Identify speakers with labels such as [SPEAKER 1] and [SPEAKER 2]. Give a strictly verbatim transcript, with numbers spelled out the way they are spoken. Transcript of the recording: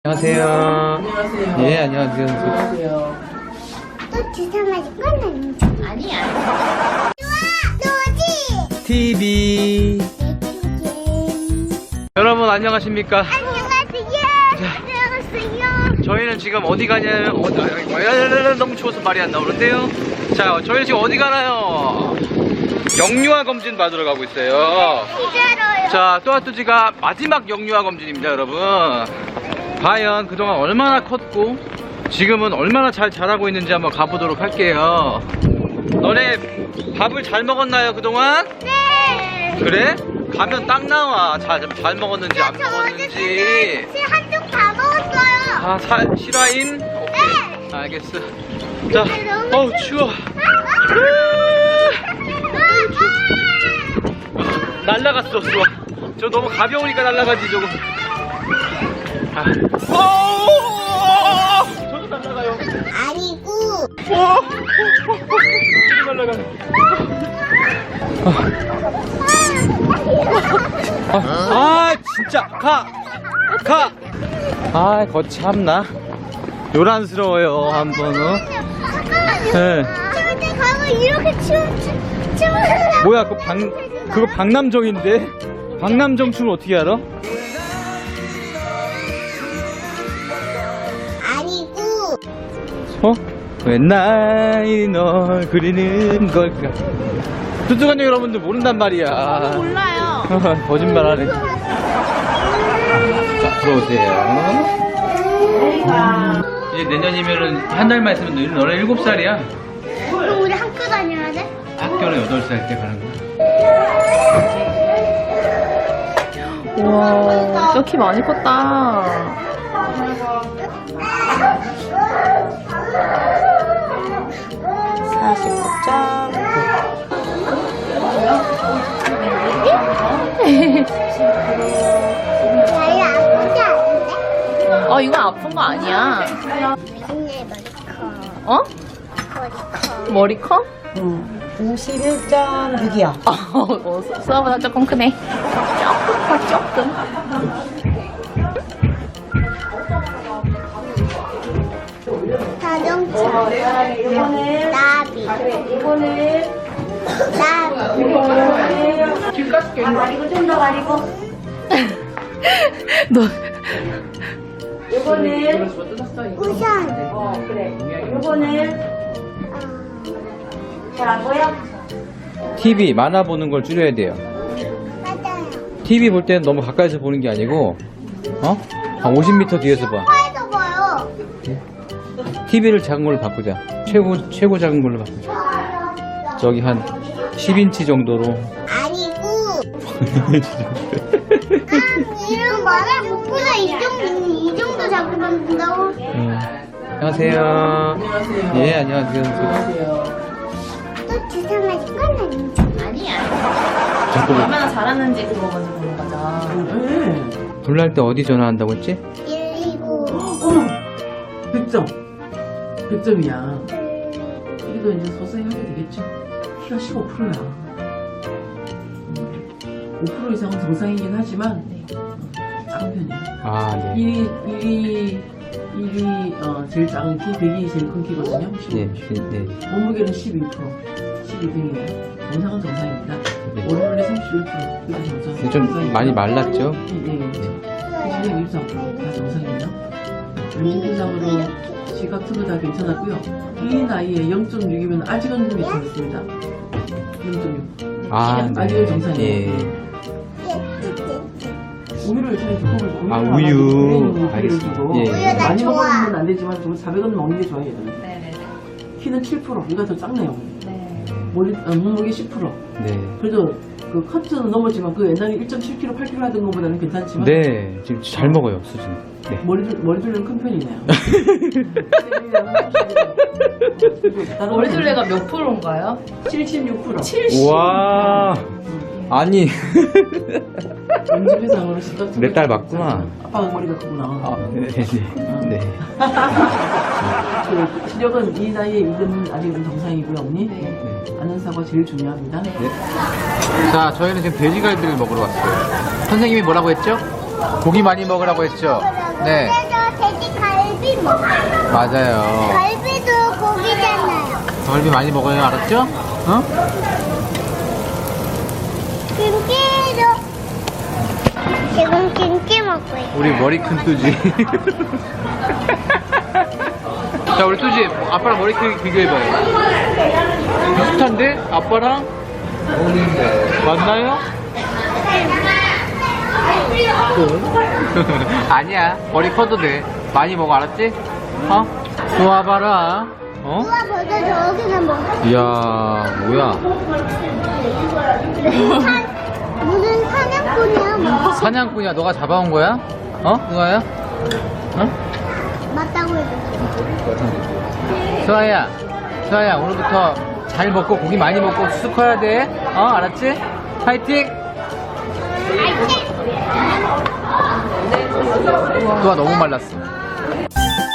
[SPEAKER 1] 안녕하세요.
[SPEAKER 2] 안녕하세요.
[SPEAKER 1] 예, 안녕하세요.
[SPEAKER 2] 안녕하세요.
[SPEAKER 3] 또 주사 맞을 건 아니죠?
[SPEAKER 2] 아니야.
[SPEAKER 3] 너지?
[SPEAKER 1] 티비. 여러분 안녕하십니까?
[SPEAKER 3] 안녕하세요. 안녕하세요.
[SPEAKER 1] 저희는 지금 어디 가냐면 어디, 어디, 너무 추워서 말이 안 나오는데요. 자, 저희는 지금 어디 가나요? 영유아 검진 받으러 가고 있어요.
[SPEAKER 3] 기다려요.
[SPEAKER 1] 자, 또아뚜지가 마지막 영유아 검진입니다, 여러분. 과연 그동안 얼마나 컸고 지금은 얼마나 잘 자라고 있는지 한번 가보도록 할게요. 너네 밥을 잘 먹었나요, 그동안?
[SPEAKER 3] 네.
[SPEAKER 1] 그래? 가면 딱 나와. 잘, 잘 먹었는지 안 먹었는지.
[SPEAKER 3] 한쪽 다 먹었어요.
[SPEAKER 1] 아, 사, 실화임? 오케이.
[SPEAKER 3] 네.
[SPEAKER 1] 알겠어. 자, 어우, 추워. 날라갔어, 추워. 저 너무 가벼우니까 날라가지, 저거. 아. 오! 저도 날라가요.
[SPEAKER 3] 아니고.
[SPEAKER 1] 오! 저도 날라가요. 아, 아, 진짜. 가! 가! 아, 거참나. 요란스러워요, 한 번은. 네.
[SPEAKER 3] 근데 가고 이렇게 춤, 춤, 춤을.
[SPEAKER 1] 뭐야, 그거 박, 그거 박남정인데? 박남정 춤을 어떻게 알아?
[SPEAKER 3] 아니고.
[SPEAKER 1] 어? 웬날 널 그리는 걸까? 뚜뚜간요 여러분들 모른단 말이야.
[SPEAKER 2] 몰라요.
[SPEAKER 1] 거짓말하네. 자, 들어오세요. 이제 내년이면은 한 달만 있으면 너, 너네 일곱 살이야.
[SPEAKER 3] 그럼 우리 학교 다녀야 돼?
[SPEAKER 1] 학교는 여덟 살 때 가는 거야.
[SPEAKER 2] 우와, 진짜 키 많이 컸다. 사십구 점.
[SPEAKER 3] 별로 아프지 않은데?
[SPEAKER 2] 어, 이건 아픈 거 아니야.
[SPEAKER 3] 맨날 머리 커.
[SPEAKER 2] 어?
[SPEAKER 3] 머리 커.
[SPEAKER 2] 머리 커?
[SPEAKER 4] 응. 오십일 점 육이요.
[SPEAKER 2] 어, 수아보다 조금 크네. 조금 커, 조금.
[SPEAKER 3] 자동차. 나비. 나비.
[SPEAKER 2] 너.
[SPEAKER 3] 우선.
[SPEAKER 1] 티비 만화 보는 걸 줄여야 돼요.
[SPEAKER 3] 맞아요.
[SPEAKER 1] 티비 볼 때는 너무 가까이서 보는 게 아니고, 어? 한 오십 미터 뒤에서 봐.
[SPEAKER 3] 화에서 봐요.
[SPEAKER 1] 티비를 작은 걸로 바꾸자. 최고, 최고 작은 걸로 바꾸자. 저기 한 십 인치 정도로.
[SPEAKER 3] 아니고. 이런 말을 목보다 이 정도, 이 정도 자꾸 만든다고?
[SPEAKER 1] 음. 안녕하세요.
[SPEAKER 2] 안녕하세요.
[SPEAKER 1] 예, 안녕하세요.
[SPEAKER 2] 안녕하세요.
[SPEAKER 3] 또 주사 맞을 건 아니죠?
[SPEAKER 2] 아니야.
[SPEAKER 1] 자꾸
[SPEAKER 2] 얼마나 잘하는지 그거 먼저 보는 거죠.
[SPEAKER 1] 불날 때 어디 전화한다고 했지?
[SPEAKER 3] 일이고.
[SPEAKER 4] 어머! 백 점. 백 점이야. 이게 이제 서서히 하게 되겠죠? 키가 십오 퍼센트야. 오 퍼센트 이상은 정상이긴 하지만, 작은 편이야.
[SPEAKER 1] 아, 네.
[SPEAKER 4] 일 위, 일 위, 일 위, 어, 제일 작은 키, 백이 제일 큰 키거든요.
[SPEAKER 1] 네, 네, 네.
[SPEAKER 4] 몸무게는 십이 퍼센트. 십이 등이에요. 정상은 정상입니다.
[SPEAKER 1] 네.
[SPEAKER 4] 월요일에 삼십일 퍼센트. 그게 정상.
[SPEAKER 1] 좀 많이 말랐죠?
[SPEAKER 4] 네, 네. 기준이 육십삼 퍼센트. 다 정상이에요. 임신부상으로 지각 투도 다 괜찮았고요. 이 나이에 영 점 육이면 아직은 괜찮습니다. 영 점 육.
[SPEAKER 1] 아, 네.
[SPEAKER 4] 아직은 정상이에요.
[SPEAKER 1] 예.
[SPEAKER 4] 우유를 저희 조금
[SPEAKER 1] 아, 우유.
[SPEAKER 4] 우유를
[SPEAKER 1] 알겠습니다.
[SPEAKER 4] 주고
[SPEAKER 1] 예.
[SPEAKER 3] 우유 나
[SPEAKER 4] 많이
[SPEAKER 3] 좋아.
[SPEAKER 4] 먹으면 안 되지만 좀 사백 원 먹는 게 좋아요. 얘들은.
[SPEAKER 2] 네네네.
[SPEAKER 4] 키는 칠 퍼센트. 이가 더 작네요.
[SPEAKER 2] 네.
[SPEAKER 4] 머리, 어, 몸무게 십 퍼센트.
[SPEAKER 1] 네.
[SPEAKER 4] 그래도 그 커트는 넘었지만 그 옛날에 일 점 칠 킬로그램, 팔 킬로그램 하던 것보다는 괜찮지만
[SPEAKER 1] 네, 지금 잘 먹어요, 수준. 네.
[SPEAKER 4] 머리둘, 머리둘레는 큰 편이네요.
[SPEAKER 2] 머리둘레가 몇 프로인가요?
[SPEAKER 4] 칠십육 퍼센트.
[SPEAKER 2] 칠십.
[SPEAKER 1] 우와. 아니.
[SPEAKER 4] 임신부상으로 시각
[SPEAKER 1] 내 딸 맞구나.
[SPEAKER 4] 아빠가 머리가 크구나.
[SPEAKER 1] 아, 네, 네. 네.
[SPEAKER 4] 그 시력은 이 나이에 이건 아직은 정상이고요, 언니.
[SPEAKER 2] 네.
[SPEAKER 4] 안전사고 제일 중요합니다.
[SPEAKER 1] 네. 자, 저희는 지금 돼지갈비를 먹으러 왔어요. 선생님이 뭐라고 했죠? 고기 많이 먹으라고 했죠? 네.
[SPEAKER 3] 그래서 갈비 먹어.
[SPEAKER 1] 맞아요.
[SPEAKER 3] 갈비도 고기잖아요.
[SPEAKER 1] 갈비 많이 먹어요, 알았죠? 어?
[SPEAKER 3] 김치도 지금 김치 먹고 있어.
[SPEAKER 1] 우리 머리 큰 뚜지. 자, 우리 뚜지 아빠랑 머리 크기 비교해봐요. 비슷한데? 아빠랑? 맞나요? 아니야, 머리 커도 돼. 많이 먹어, 알았지? 어? 좋아봐라. 어?
[SPEAKER 3] 누가 벌써 저기는 뭐?
[SPEAKER 1] 이야, 뭐야.
[SPEAKER 3] 사- 무슨 사냥꾼이야 뭐?
[SPEAKER 1] 사냥꾼이야, 너가 잡아온 거야? 어? 누가야? 어?
[SPEAKER 3] 맞다고 해도.
[SPEAKER 1] 수아야, 수아야, 오늘부터 잘 먹고 고기 많이 먹고 수수 커야 돼. 어, 알았지? 파이팅! 수아 너무 말랐어.